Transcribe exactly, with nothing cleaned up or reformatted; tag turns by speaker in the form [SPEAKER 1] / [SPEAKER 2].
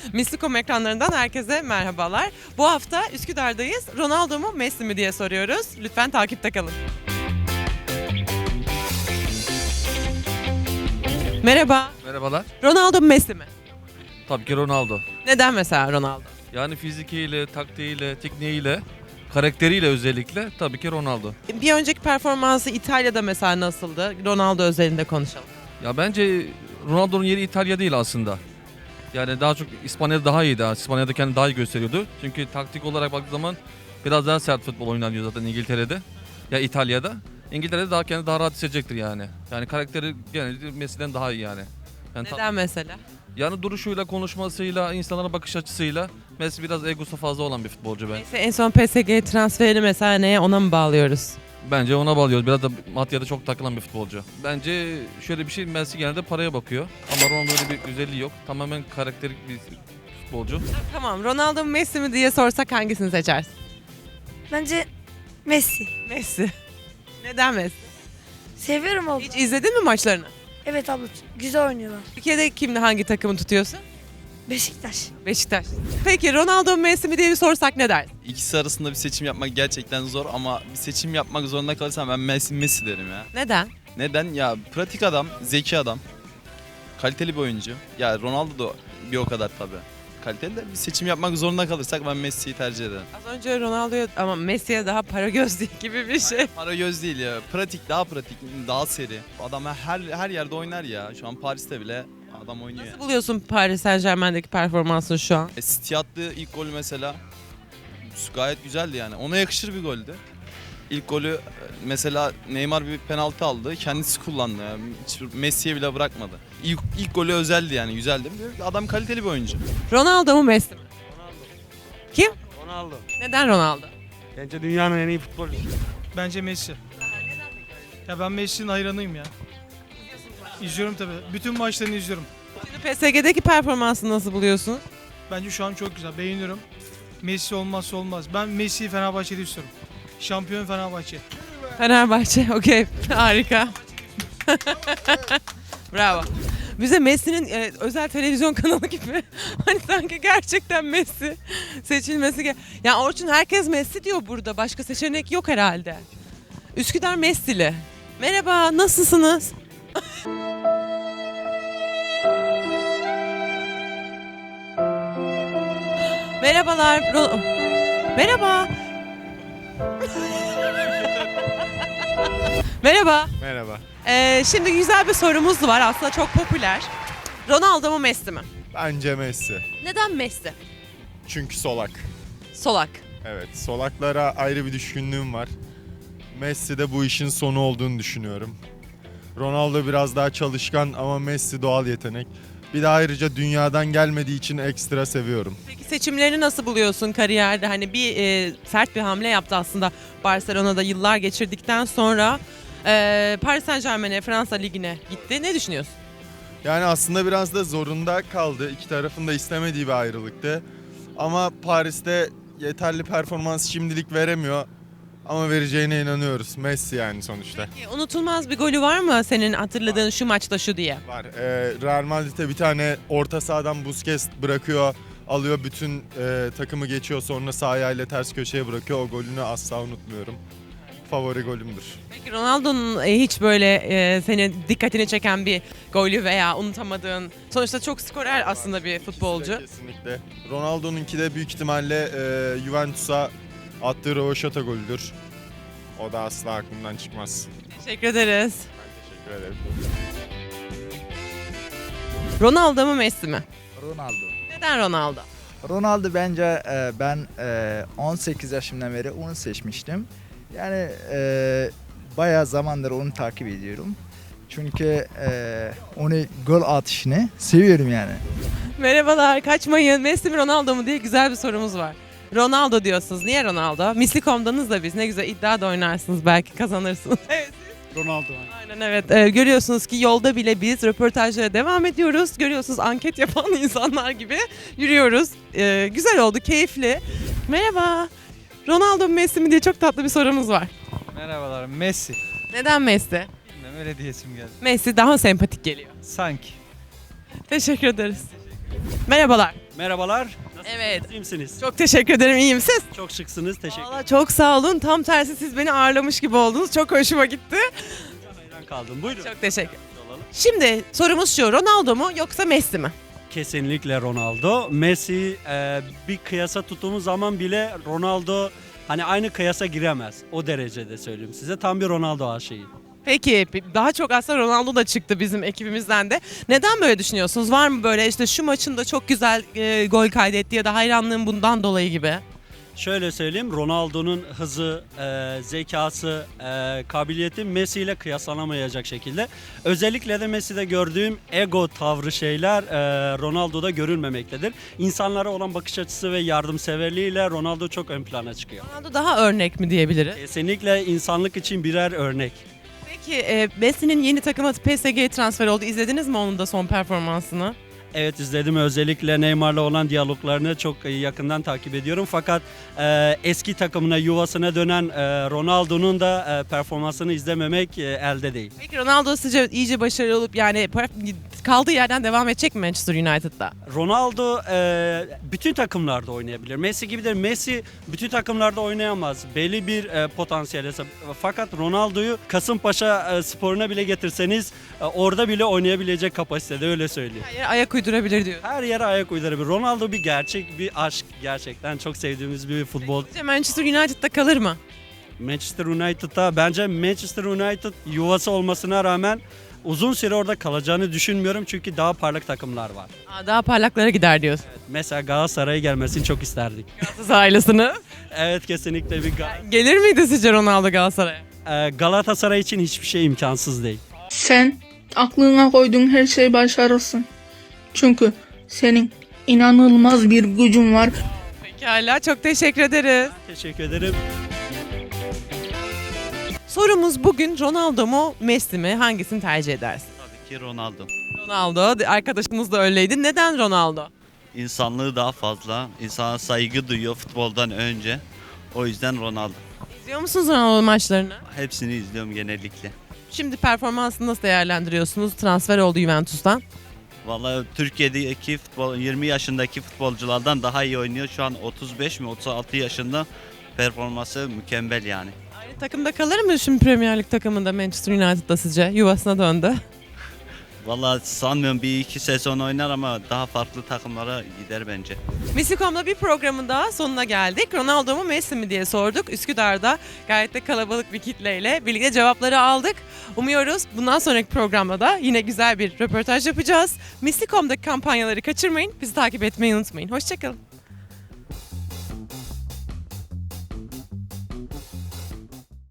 [SPEAKER 1] Mislikom ekranlarından herkese merhabalar. Bu hafta Üsküdar'dayız. Ronaldo mu Messi mi diye soruyoruz. Lütfen takipte kalın. Merhaba.
[SPEAKER 2] Merhabalar.
[SPEAKER 1] Ronaldo mu Messi mi?
[SPEAKER 2] Tabii ki Ronaldo.
[SPEAKER 1] Neden mesela Ronaldo?
[SPEAKER 2] Yani fizikiyle, taktiğiyle, tekniğiyle, karakteriyle özellikle tabii ki Ronaldo.
[SPEAKER 1] Bir önceki performansı İtalya'da mesela nasıldı? Ronaldo özelinde konuşalım.
[SPEAKER 2] Ya bence Ronaldo'nun yeri İtalya değil aslında. Yani daha çok İspanya'da daha iyiydi. İspanya'da kendini daha iyi gösteriyordu. Çünkü taktik olarak baktığı zaman biraz daha sert futbol oynanıyor zaten İngiltere'de. Ya İtalya'da. İngiltere'de daha kendini daha rahat hissedecektir yani. Yani karakteri genelde Messi'den daha iyi yani. Yani ta-
[SPEAKER 1] Neden mesela?
[SPEAKER 2] Yani duruşuyla, konuşmasıyla, insanlara bakış açısıyla Messi biraz egosu fazla olan bir futbolcu ben.
[SPEAKER 1] Neyse, en son P S G transferi mesela neye, ona mı bağlıyoruz?
[SPEAKER 2] Bence ona bağlıyoruz. Biraz da maddiyata çok takılan bir futbolcu. Bence şöyle bir şey, Messi genelde paraya bakıyor. Ama Ronaldo öyle bir özelliği yok. Tamamen karakterik bir futbolcu.
[SPEAKER 1] Tamam, Ronaldo mu Messi mi diye sorsak hangisini seçersin?
[SPEAKER 3] Bence Messi.
[SPEAKER 1] Messi. Neden Messi?
[SPEAKER 3] Seviyorum abla.
[SPEAKER 1] Hiç izledin mi maçlarını?
[SPEAKER 3] Evet abla, güzel oynuyorlar.
[SPEAKER 1] Türkiye'de kimle hangi takımı tutuyorsun?
[SPEAKER 3] Beşiktaş.
[SPEAKER 1] Beşiktaş. Peki Ronaldo mu Messi mi diye bir sorsak ne dersin?
[SPEAKER 4] İkisi arasında bir seçim yapmak gerçekten zor ama bir seçim yapmak zorunda kalırsam ben Messi, Messi derim ya.
[SPEAKER 1] Neden?
[SPEAKER 4] Neden? Ya pratik adam, zeki adam, kaliteli bir oyuncu. Ya Ronaldo da bir o kadar tabii. Kaliteli de bir seçim yapmak zorunda kalırsak ben Messi'yi tercih ederim.
[SPEAKER 1] Az önce Ronaldo'ya ama Messi'ye daha para göz değil gibi bir şey.
[SPEAKER 4] Para göz değil ya. Pratik, daha pratik, daha seri. Adam her her yerde oynar ya. Şu an Paris'te bile adam oynuyor.
[SPEAKER 1] Nasıl
[SPEAKER 4] Yani.
[SPEAKER 1] buluyorsun Paris Saint-Germain'deki performansını şu an?
[SPEAKER 4] E, City attığı ilk golü mesela gayet güzeldi yani. Ona yakışır bir goldü. İlk golü e, mesela Neymar bir penaltı aldı. Kendisi kullandı. Yani. Hiç Messi'ye bile bırakmadı. İlk, ilk golü özeldi yani. Güzeldi. Adam kaliteli bir oyuncu.
[SPEAKER 1] Ronaldo mu Messi mi? Kim?
[SPEAKER 5] Ronaldo.
[SPEAKER 1] Neden Ronaldo?
[SPEAKER 5] Bence dünyanın en iyi futbolcusu.
[SPEAKER 6] Bence Messi. Ya ben Messi'nin hayranıyım ya. İzliyorum tabii. Bütün maçlarını izliyorum.
[SPEAKER 1] Şimdi P S G'deki performansını nasıl buluyorsun?
[SPEAKER 6] Bence şu an çok güzel. Beğeniyorum. Messi olmazsa olmaz. Ben Messi'yi Fenerbahçe'de istiyorum. Şampiyon Fenerbahçe.
[SPEAKER 1] Fenerbahçe, okey. Harika. Bravo. Bize Messi'nin e, özel televizyon kanalı gibi hani sanki gerçekten Messi seçilmesi. Ge- ya Orçun, herkes Messi diyor burada. Başka seçenek yok herhalde. Üsküdar Messi'li. Merhaba, nasılsınız? Merhabalar. Ro- Merhaba. Merhaba.
[SPEAKER 7] Merhaba.
[SPEAKER 1] Ee, şimdi güzel bir sorumuz var, aslında çok popüler. Ronaldo mu Messi mi?
[SPEAKER 7] Bence Messi.
[SPEAKER 1] Neden Messi?
[SPEAKER 7] Çünkü solak.
[SPEAKER 1] Solak.
[SPEAKER 7] Evet, solaklara ayrı bir düşkünlüğüm var. Messi de bu işin sonu olduğunu düşünüyorum. Ronaldo biraz daha çalışkan ama Messi doğal yetenek. Bir de ayrıca dünyadan gelmediği için ekstra seviyorum.
[SPEAKER 1] Peki seçimlerini nasıl buluyorsun kariyerde? Hani bir e, sert bir hamle yaptı aslında Barcelona'da yıllar geçirdikten sonra e, Paris Saint-Germain'e, Fransa Ligi'ne gitti. Ne düşünüyorsun?
[SPEAKER 7] Yani aslında biraz da zorunda kaldı. İki tarafın da istemediği bir ayrılıktı. Ama Paris'te yeterli performans şimdilik veremiyor. Ama vereceğine inanıyoruz. Messi yani sonuçta.
[SPEAKER 1] Peki, unutulmaz bir golü var mı senin hatırladığın şu maçta şu diye?
[SPEAKER 7] Var. Ee, Real Madrid'e bir tane orta sahadan Busquets bırakıyor, alıyor, bütün e, takımı geçiyor, sonra sağ ayağıyla ters köşeye bırakıyor. O golünü asla unutmuyorum. Favori golümdür.
[SPEAKER 1] Peki Ronaldo'nun e, hiç böyle e, senin dikkatini çeken bir golü veya unutamadığın, sonuçta çok skorer aslında bir futbolcu.
[SPEAKER 7] İkisi de kesinlikle. Ronaldo'nunki de büyük ihtimalle e, Juventus'a attığı rövaşata golüdür. O da asla aklımdan çıkmaz.
[SPEAKER 1] Teşekkür ederiz.
[SPEAKER 7] Ben teşekkür ederim.
[SPEAKER 1] Ronaldo mu Messi mi?
[SPEAKER 8] Ronaldo.
[SPEAKER 1] Neden Ronaldo?
[SPEAKER 8] Ronaldo bence e, ben e, on sekiz yaşımdan beri onu seçmiştim. Yani e, bayağı zamandır onu takip ediyorum. Çünkü e, onu gol atışını seviyorum yani.
[SPEAKER 1] Merhabalar, kaçmayın. Messi mi Ronaldo mu diye güzel bir sorumuz var. Ronaldo diyorsunuz. Niye Ronaldo? Mislikom'danız da biz. Ne güzel iddia da oynarsınız, belki kazanırsınız. Evet.
[SPEAKER 5] Ronaldo.
[SPEAKER 1] Aynen, evet. Ee, görüyorsunuz ki yolda bile biz röportajlara devam ediyoruz. Görüyorsunuz, anket yapan insanlar gibi yürüyoruz. Ee, güzel oldu, keyifli. Merhaba. Ronaldo mu Messi mi diye çok tatlı bir sorumuz var.
[SPEAKER 9] Merhabalar, Messi.
[SPEAKER 1] Neden Messi?
[SPEAKER 9] Bilmem, öyle diyesim geldi.
[SPEAKER 1] Messi daha sempatik geliyor.
[SPEAKER 9] Sanki.
[SPEAKER 1] Teşekkür ederiz. Merhabalar.
[SPEAKER 10] Merhabalar.
[SPEAKER 1] Evet.
[SPEAKER 10] İyi misiniz?
[SPEAKER 1] Çok teşekkür ederim. İyiyim siz?
[SPEAKER 10] Çok şıksınız. Teşekkür ederim.
[SPEAKER 1] Valla çok sağ olun. Tam tersi siz beni ağırlamış gibi oldunuz. Çok hoşuma gitti.
[SPEAKER 10] Hayran kaldım. Buyurun.
[SPEAKER 1] Çok teşekkür.
[SPEAKER 10] Olalım.
[SPEAKER 1] Şimdi sorumuz şu. Ronaldo mu yoksa Messi mi?
[SPEAKER 10] Kesinlikle Ronaldo. Messi e, bir kıyasa tuttuğumuz zaman bile Ronaldo hani aynı kıyasa giremez. O derecede söyleyeyim size. Tam bir Ronaldo aşığıyım.
[SPEAKER 1] Peki daha çok aslında Ronaldo da çıktı bizim ekibimizden de. Neden böyle düşünüyorsunuz? Var mı böyle işte şu maçında çok güzel e, gol kaydetti ya da hayranlığım bundan dolayı gibi?
[SPEAKER 10] Şöyle söyleyeyim, Ronaldo'nun hızı, e, zekası, e, kabiliyeti Messi ile kıyaslanamayacak şekilde. Özellikle de Messi'de gördüğüm ego tavrı şeyler e, Ronaldo'da görülmemektedir. İnsanlara olan bakış açısı ve yardımseverliğiyle Ronaldo çok ön plana çıkıyor.
[SPEAKER 1] Ronaldo daha örnek mi diyebiliriz?
[SPEAKER 10] Kesinlikle insanlık için birer örnek.
[SPEAKER 1] Peki e, Messi'nin yeni takıma P S G'ye transfer oldu. İzlediniz mi onun da son performansını?
[SPEAKER 10] Evet, izledim. Özellikle Neymar'la olan diyaloglarını çok yakından takip ediyorum. Fakat e, eski takımına, yuvasına dönen e, Ronaldo'nun da e, performansını izlememek e, elde değil.
[SPEAKER 1] Peki Ronaldo sizce iyice başarılı olup yani kaldığı yerden devam edecek mi Manchester United'da?
[SPEAKER 10] Ronaldo e, bütün takımlarda oynayabilir. Messi gibi de Messi bütün takımlarda oynayamaz. Belli bir e, potansiyel. Fakat Ronaldo'yu Kasımpaşa e, sporuna bile getirseniz e, orada bile oynayabilecek kapasitede, öyle söyleyeyim.
[SPEAKER 1] Her yere ayak uydurabilir diyor.
[SPEAKER 10] Her yere ayak uydurabilir. Ronaldo bir gerçek, bir aşk gerçekten. Çok sevdiğimiz bir futbol.
[SPEAKER 1] Sizce Manchester United'da kalır mı?
[SPEAKER 10] Manchester United'da bence Manchester United yuvası olmasına rağmen uzun süre orada kalacağını düşünmüyorum. Çünkü daha parlak takımlar var.
[SPEAKER 1] Aa, daha parlaklara gider diyorsun.
[SPEAKER 10] Mesela Galatasaray'a gelmesini çok isterdik.
[SPEAKER 1] Galatasaray ailesini.
[SPEAKER 10] Evet, kesinlikle bir Gal-
[SPEAKER 1] Gelir miydi sizce Ronaldo Galatasaray'a?
[SPEAKER 10] Ee, Galatasaray için hiçbir şey imkansız değil.
[SPEAKER 11] Sen aklına koyduğun her şeyi başarırsın. Çünkü senin inanılmaz bir gücün var.
[SPEAKER 1] Pekala, çok teşekkür ederiz.
[SPEAKER 10] Teşekkür ederim.
[SPEAKER 1] Sorumuz bugün Ronaldo mu Messi mi? Hangisini tercih edersin?
[SPEAKER 12] Tabii ki Ronaldo.
[SPEAKER 1] Ronaldo. Arkadaşımız da öyleydi. Neden Ronaldo?
[SPEAKER 12] İnsanlığı daha fazla, insana saygı duyuyor futboldan önce. O yüzden Ronaldo.
[SPEAKER 1] İzliyor musunuz Ronaldo maçlarını?
[SPEAKER 12] Hepsini izliyorum genellikle.
[SPEAKER 1] Şimdi performansını nasıl değerlendiriyorsunuz? Transfer oldu Juventus'tan.
[SPEAKER 12] Vallahi Türkiye'deki futbol yirmi yaşındaki futbolculardan daha iyi oynuyor. Şu an otuz beş mi otuz altı yaşında, performansı mükemmel yani.
[SPEAKER 1] Aynı takımda kalır mı şimdi Premier Lig takımında Manchester United'da sizce? Yuvasına döndü.
[SPEAKER 12] Vallahi sanmıyorum, bir iki sezon oynar ama daha farklı takımlara gider bence.
[SPEAKER 1] Messi nokta com'da bir programın daha sonuna geldik. Ronaldo mu Messi mi diye sorduk. Üsküdar'da gayet de kalabalık bir kitleyle birlikte cevapları aldık. Umuyoruz bundan sonraki programda da yine güzel bir röportaj yapacağız. Messi nokta com'daki kampanyaları kaçırmayın. Bizi takip etmeyi unutmayın. Hoşçakalın.